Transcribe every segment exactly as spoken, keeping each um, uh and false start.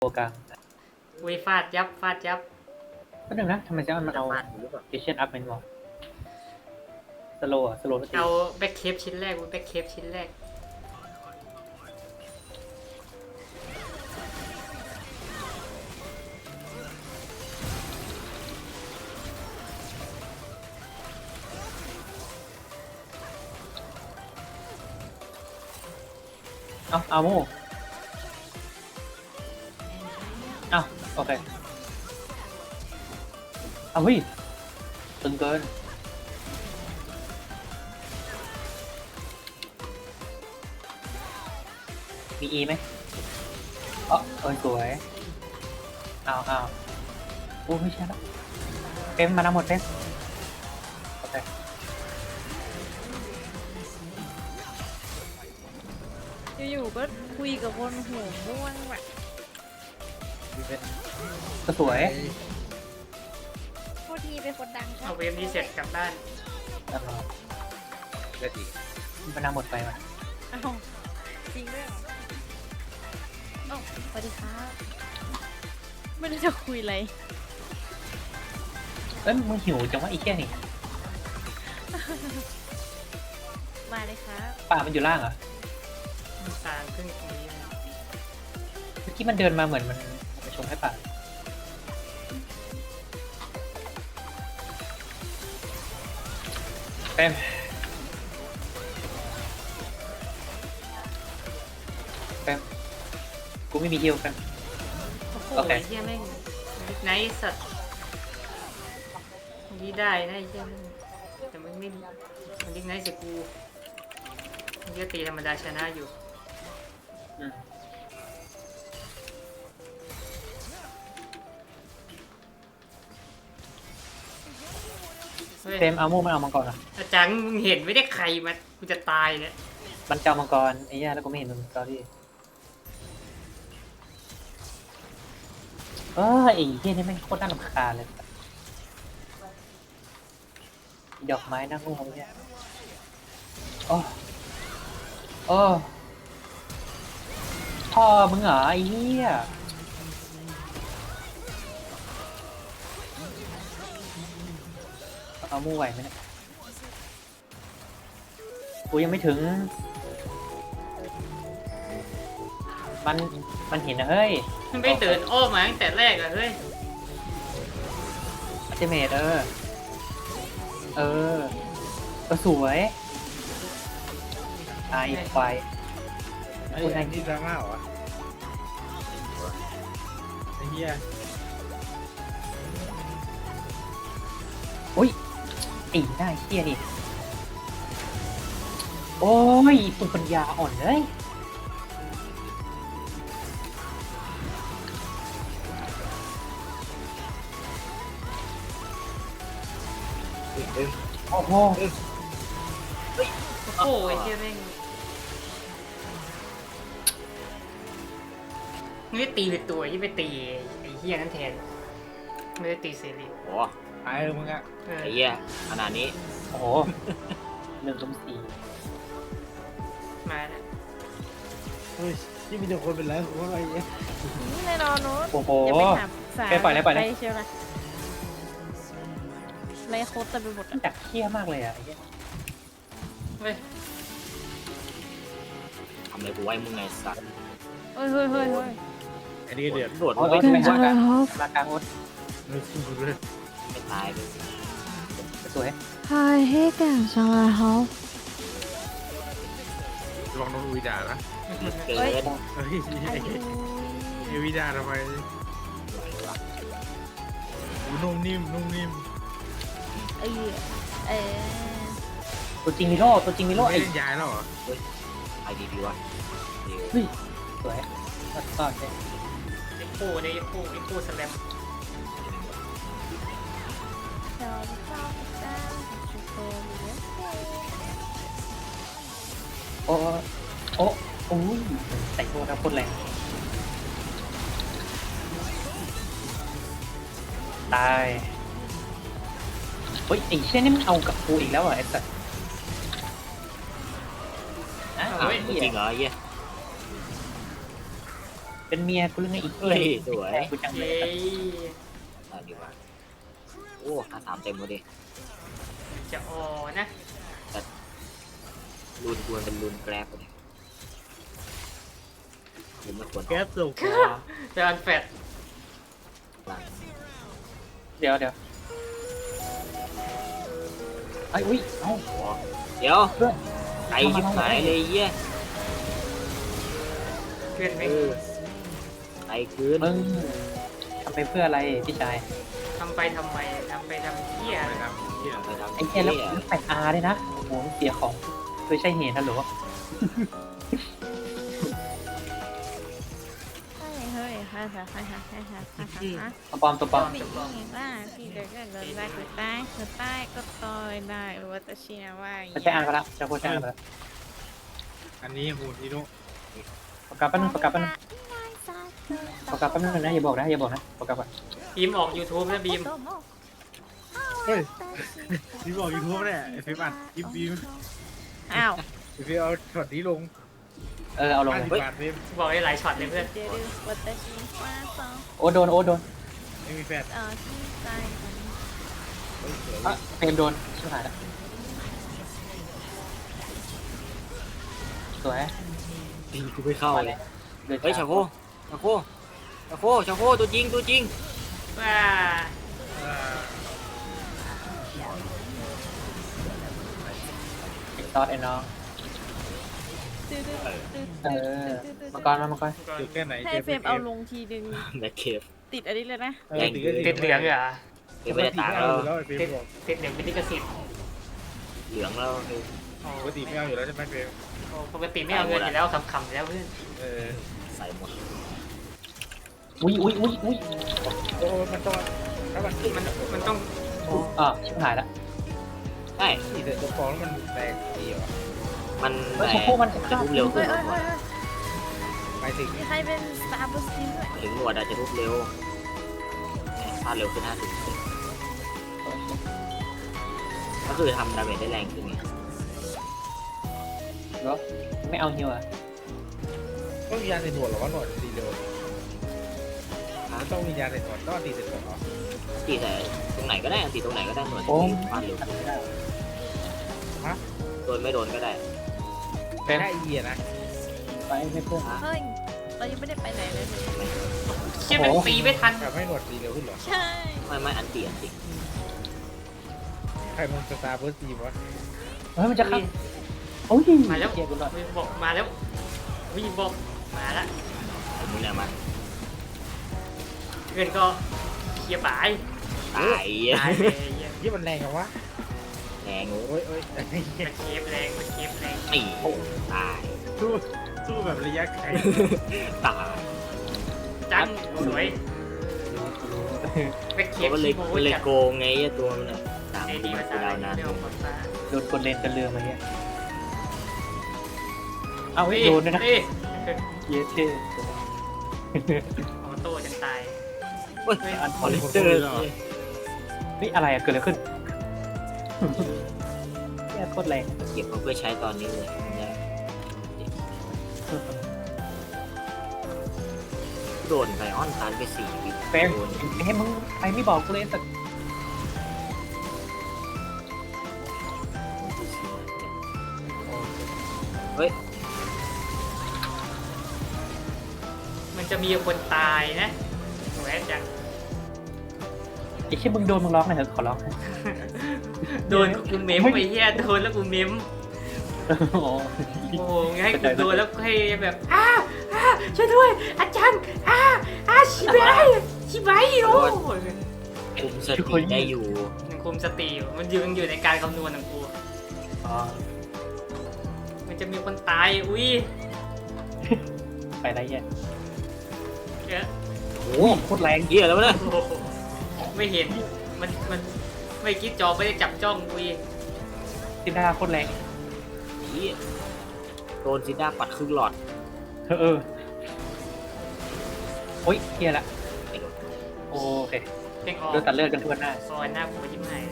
โปรกลางอุ้ยฟาดยับฟาดยับก็หนึ่งนะทำไมเจ้ามันเอาเอเชียนอัพเป็นวะสโลว์สโลว์เอาแบ็คเคปชิ้นแรกแบ็คเคปชิ้นแรกเอาเอาโม่เอาโอเคเอาเฮ้ยตึงเกินมีอีไหมอ๋อเออสวยเอาเอาโอ้ไม่ใช่แล้วเต็มมาทั้งหมดเต็มโอเคอยู่ๆก็คุยกับคนหัวม่วงแบบก็สวยโคตรทีเป็นคนดังครัเอาบเวฟนี้เสร็จกลับบ้านตลอดก็ดีมันเอาหมดไปมาอ้าวจริงด้วยเหรออ้าวสวัสดีครับไม่ได้จะคุยอะไรเอ้ยมึงหิวจังวะไอ้แค่นี่มาเลยครับป่ามันอยู่ล่างเหรอมันต่างขึ้นตรงนี้เมื่อกี้มันเดินมาเหมือนมันมาชมให้ป่าเต็มเต็มกูไม่มีฮิวกันโอ้โหโอเคไอ้เหี้ยแม่งบิ๊กไนท์สัตว์นี่ได้นะไอ้เหี้ยแม่งแต่มันไม่มันบิ๊กไนท์เสียกูมันก็ตีธรรมดาชนะอยู่อืมเฮ้ยเต็มเอาโม่มันเอามังกรอ่ะอาจารย์มึงเห็นไม่ได้ใครมากูจะตายเลยมันเจ้ามังกรไอ้ย่าแล้วกูไม่เห็นมันสตอรี่เออไอ้เหี้ยนี่แม่งโคตรน่ารำคาญเลยดอกไม้นั่งงูเนี่ยโอ้โอ้พ่อมึงเหรอไอ้เหี้ยเอามู่ไหวไหมเนี่ยกูยังไม่ถึงมันมันเห็นนะเฮ้ยมันไม่ตื่นอ้อมมาตั้งแต่แรกอะเฮ้ยอัลติเมทเออเออก็สวยไอไฟไอ้ไอ้นี่ดราม่าเหรอไอ้เหี้ยอุ้ยไอ้หน้าเหี้ยนี่โอ้ยคุณปัญญาอ่อนเลยโอ้โหโอ้โหไอ้เหี้ยแม่งไม่ได้ตีเป็นตัวยี่ไปตีไอ้เหี้ยนั่นแทนไม่ได้ตีเซรีโอ้ตายเลยมึงอะเออไอ้เหี้ยขนาดนี้โอ้โหหนึ่งลุมสี่มาแล้วเฮ้ยที่มีแต่คนเป็นไรของอะไรเงี้ยนี่เลยนอนโน้ตโอ้โหอย่าไปถามสาไปปล่อยเลยปล่อยเลยไปเชียวนะไรโคตรเต็มไปหมดมันอะดักเหี้ยมากเลยอ่ะไอ้เหี้ยเฮ้ยทำอะไรกูไว้มึงไงสัตว์เฮ้ยเฮ้ยเฮ้ยเฮ้ยอันนี้เดือดโดดโอ้ไม่ยไม่หากลางมากลางโอ๊ตไม่สู้เลยไม่ตายเลยสวย嗨，黑感上来好。 ลองโดนวิดานะเกินเฮ้ยเฮ้ยไอ้ไอ้วิดาทำไมอู้นุ่มนิ่มนุ่มนิ่มไอ้เอ้ตัวจริงมีโล่ตัวจริงมีโล่ไม่ไอ้เล่นยายแล้วเหรอไปดีดีวะดีเฮ้ยสวยก็ก็ใช่ไอ้คู่เนี่ยไอ้คู่ไอ้คู่สแลม小的小的蛋是可怜的。 โอ้โอ้โอ้ยใส่โล่แล้วโคตรแรงตายเฮ้ยไอ้เช่นนี่มันเอากับกูอีกแล้วเหรอไอ้สัสอ่ะอ้าวไอ้จเหี้ยริงเหรอไอ้เหี้ยเป็นเมียกูเรื่องไงอีกเฮ้ยสวยกูจังเลเย้ยอ่ะดีกว่าโอ้ห้าสามเต็มหมดดิจะออนะรุนควรเป็นรุนแกร็บเลยผมไม่ควรแก๊สส่งขวาจานแฟดวางเดี๋ยวเดี๋ยวไอ้ยอุ้ยเอ้าเดี๋ยวเพื่อนไอชิบหายเลยเยี่ยเพื่อนเอไม่อไอคืนมึงทำไปเพื่ออะไรพี่ชายทำไปทำไมทำไปทำเที่ยไปทำเหี้ยไปทำไอ้แค่แล้วแล้วแปดอาร์ด้วยนะโอ้โหเสียของโดยใช่เหตุนะหรือว่าเฮ้ยเฮ้ยฮ่าฮ่าฮ่าฮ่าฮ่าฮ่าฮ่าตัวปลอมตัวปลอมพี่ว่าพี่เด็กก็เดินได้ก็ได้ก็ได้ก็ต่อยได้หรือว่าจะเชียร์ว่าจะใช้อ่านไปแล้วจะพูดใช้อ่านไปแล้วอันนี้โหดอีโน่ประกาศแป๊บนึงประกาศแป๊บนึงประกาศแป๊บนึงนะอย่าบอกนะอย่าบอกนะประกาศก่อนบีมออก YouTube นะบีมเฮ้ยพี่บอกยูทูบเนี่ยไอ้ฟิล์มอัดคลิปฟิล์มอ้าวไอ้ฟิล์มเอาช็อตนี้ลงเออเอาลงห้าเลสิยบบาทฟิล์มบอกได้หลายช็อตเลยเพื่อนเดี๋ยวดูว่าจะชิมว่าสองโอ้โดนโอ้โดนไม่มีแฟนเอ่อที่ใจมันเฮ้ยสวยอ่ะเฟรมโดนชิบหายแล้วสวยตีกูไม่เข้ามาเลเลย ยเฮ้ยชาโคชาโคชาโคชาโคตัวจริงตัวจริงว้าอ่าซอสไอ้น้องตื้อตื้อตื้อเออมังกรมามังกรเจอแค่ไหนให้เฟรมเอาลงทีนึงแบ็คเคฟติดอันนี้เลยนะเออติดก็ติดเหลืองเหรอเดี๋ยวไม่ได้ตายแล้วแล้วไอ้ฟิล์ติดมบอกติดเหลืองเป็นลิขสิทธิ์เหลืองแล้วคือโอ้ปกติไม่เอาอยู่แล้วใช่ไหมฟิล์มโอ้ปกติไม่เอาเงินอยู่แล้วขำๆอยู่แล้วเพื่อนเออใส่หมดอุ้ยอุ้ยอุ้ยอุ้ยโอ้มันต้องถ้ามันมันมันต้องอ่ะชิบหายละใช่ตีเสร็จตัวฟองแล้วมันแตกดีเหรอมันเฮ้ยแต่ชาโคมันจะทุบเร็วเฮ้ขึ้ยนเฮ้ยเฮ้ยหมายถึงมีใครเป็นสตาร์บัคทีมด้วยถึงหนวดอาจจะทุบเร็วพลาดเร็วขึ้นห้าสิบก็คือทำดาเมจได้แรงขึ้นไงเหรอไม่เอาฮิวอ่ะต้องมียาใส่หนวดหรอว่าหนวดตีเร็วมันต้องมียาใส่หนวดต้องตีเสร็จก่อนเนาะตีแต่ตรงไหนก็ได้ตีตรงไหนก็ได้หนวดโอ้มพลาดเร็วทำไม่ได้โดนไม่โดนก็ได้เฟรมแค่เอียนะไปไม่เพื่อนเฮ้ยเรายังไม่ได้ไปไหนเลยเชี่ยมันตีไม่ทันทำให้หนวดตีเร็วขึ้นเหรอใช่ไม่ไม่อันตีอันตีใครมันสตาร์เบิร์สตีวะเฮ้ยมันจะเข้าโอ้ยมาแล้วเกียร์กูหน่อยวีบอกมาแล้ววีบอกมาแล้วผมนี่แหละมันเพื่อนก็เคลียร์ป่ายตายตายเลยเหี้ยยี่มันแรงเหรอวะแรงโอ้ยโอ้ยมันเคลียร์แรงมันเคลียร์แรงไอ้ตายสู้สู้แบบระยะไกลตายจังสวยไปเคลียร์มันเลยคีโมมันเลยจัดโกงไงไอ้ตัวมันอ่ะตามไอ้ดีดีมามากูซาดาวเรนานเรื่องคนฟ้าโดนคนเลนกันเรือมาเนี่ยเอาเฮ้ไอ้ยโดนด้วยนะเฮ้ยเยสเท่ออโต้จะตายเฮ้ยเฮ้ยอันพอลิเตอร์นี่อะไรอะเกิดอะไรขึ้นแย่โคตรแรงเก็บมาเพื่อใช้ตอนนี้เลยเนี่ยโดนไบออนตันไปสี่วิแฟงโดนไอ้มึงไปไม่บอกกูเลยสักเฮ้ยมันจะมีคนตายนะแหวนจังไอ้แค่มึงโดนมึงร้องหน่อยเถอะขอร้องโดนกูเมมไปเหี้ยโดนแล้วกูเมมโอ้โหโอ้โหให้กูโดนแล้วให้แบบอ้าอ้าช่วยด้วยอาจารย์อ้าอ้าชิบะชิบะโอ้คุมสติได้อยู่ยังคุมสติอยู่มันยังอยู่ในการคำนวณของกูอ๋อมันจะมีคนตายอุ้ยไปได้แย่เยอะโอ้โอ้โคตรแรงเหี้ยแล้วเนี่ยโอ้โหไม่เห็นมันมันไม่คิดจอไม่ได้จับจ้องกูอีกซินดาโคตรแรงเหี้ยโดนซิด้าปัดครึ่งหลอดเออเออโอ้ยเฮียละไอ้โดนโอเคเพ่งออกโดนตัดเลือดกันทั่วหน้าซอยหน้ากูยิ้มให้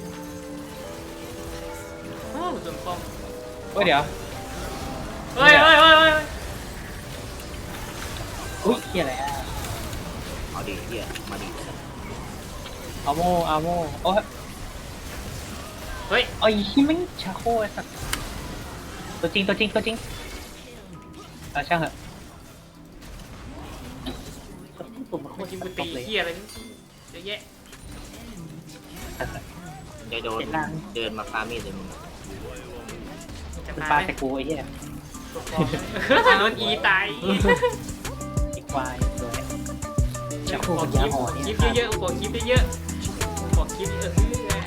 โอ้ส่วนฟองเฮ้ยเดี๋ยวเฮ้ยเฮ้ยเฮ้ยเฮ้ยกูอุ้ยเฮียอะไรอะเอาดิเฮียมาดิอาโมอาโมโอ้ยเฮ้ยไอ้ที่มันชาโคไอ้สัตว์ตัวจริงตัวจริงตัวจริงเอาช่างเหอะผมมาโคเมื่อตรกี้ตกูบตีเลยเหี้ยอะไรนี่เยอะแยะจะโดนเดินมาฟามีดเลยมึงจะมันตาปลายไหมแต่กูไอ้เหี้ยโดนอีตายไอ้ควายสวยชาโคขอปัญคญาลิปอ่อนคลิเนี่ปยเยอะๆขอคลิปเยอะๆขอคลิปเออ